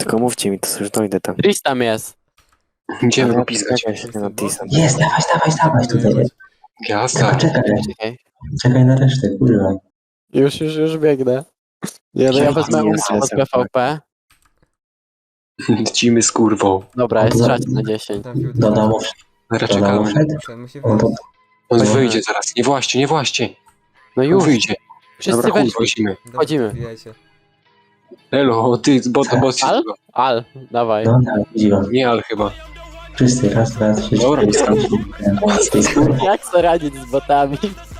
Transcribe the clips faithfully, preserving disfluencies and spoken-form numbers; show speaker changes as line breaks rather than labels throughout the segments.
Tylko mówcie mi, to już dojdę tam.
Tris tam jest.
Idziemy
Ale
go pisać.
czekaj się na Tisa.
Jest, dawaj, dawaj, dawaj tutaj.
Jazda.
Czekaj,
Czekaj.
czekaj na resztę, kurwa.
Już, już, już biegnę. Ja, ja
Czekaj,
wezmę
nie
umysł od
jestem.
P V P.
Lecimy z kurwą.
Dobra, jest szać na dziesięć.
Trafił
Do domu,
Zaraz
do domu
czekamy.
wszedł.
Muszę, musi
On to,
wyjść.
On
Dobra.
wyjdzie zaraz. Nie właśnie, nie właśnie.
No
On
już,
wyjdzie.
wszyscy
Dobra, chuj,
weźmy.
wchodzimy.
Dobra,
Wchodzimy.
wbijajcie.
Elo, ty, bo to boss się
Al?
zbywa.
Al, dawaj.
no tak, widzi go.
Nie, ale chyba.
Wszyscy, raz, dwa, trzy,
Dobra,
cztery, pięć, sześć,
Jak co radzić z botami?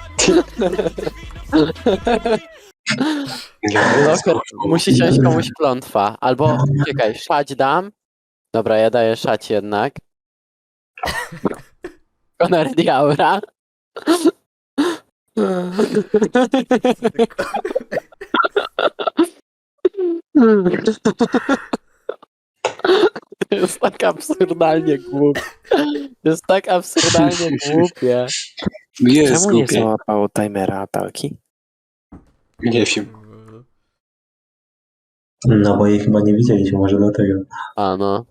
Locker, musi siąść komuś klątwa. Albo, czekaj, szać dam. Dobra, ja daję szać jednak. Conor Diaura. To jest tak absurdalnie głupie. To jest tak absurdalnie głupie.
Jest
Czemu nie
głupie.
załapało timera apelki?
Nie wiem.
No bo jej chyba nie widzieliśmy, może dlatego.
A no.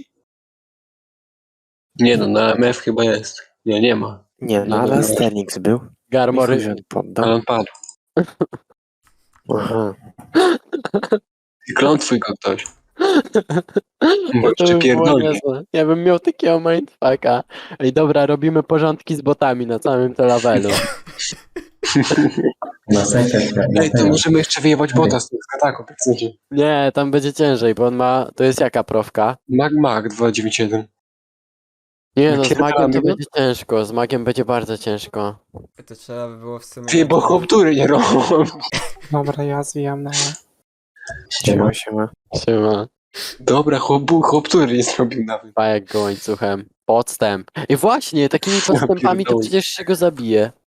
Nie no, na M F chyba jest. Nie, nie ma.
Nie, no
Nie,
ale
no.
Sterlings był.
Garmory.
I chuj, on
Ale
poddał.
on padł.
Aha.
Klątwuj go ktoś. Bo
To
jeszcze
by było
pierdolnie.
niezłe. Ja bym miał takiego mindfucka. Ej, dobra, robimy porządki z botami na całym tym levelu.
Na sekret, na
Ej, to
tego.
możemy jeszcze wyjebać bota z tego skataku, tak chcecie.
Nie, tam będzie ciężej, bo on ma... To jest jaka profka?
Mag Mag dwa dziewięć jeden.
Nie no, z
Napierdalamy
magiem to
go?
będzie ciężko. Z magiem będzie bardzo ciężko.
To trzeba by było w sumie...
Ty, bo chłoptury nie robią.
Dobra, ja zwijam na...
Siema.
Siema, siema.
Siema.
Dobra, chłop, chłoptury nie zrobił nawet.
Pajek go łańcuchem. Podstęp. I właśnie, takimi podstępami to
pierdolę.
przecież się go zabije.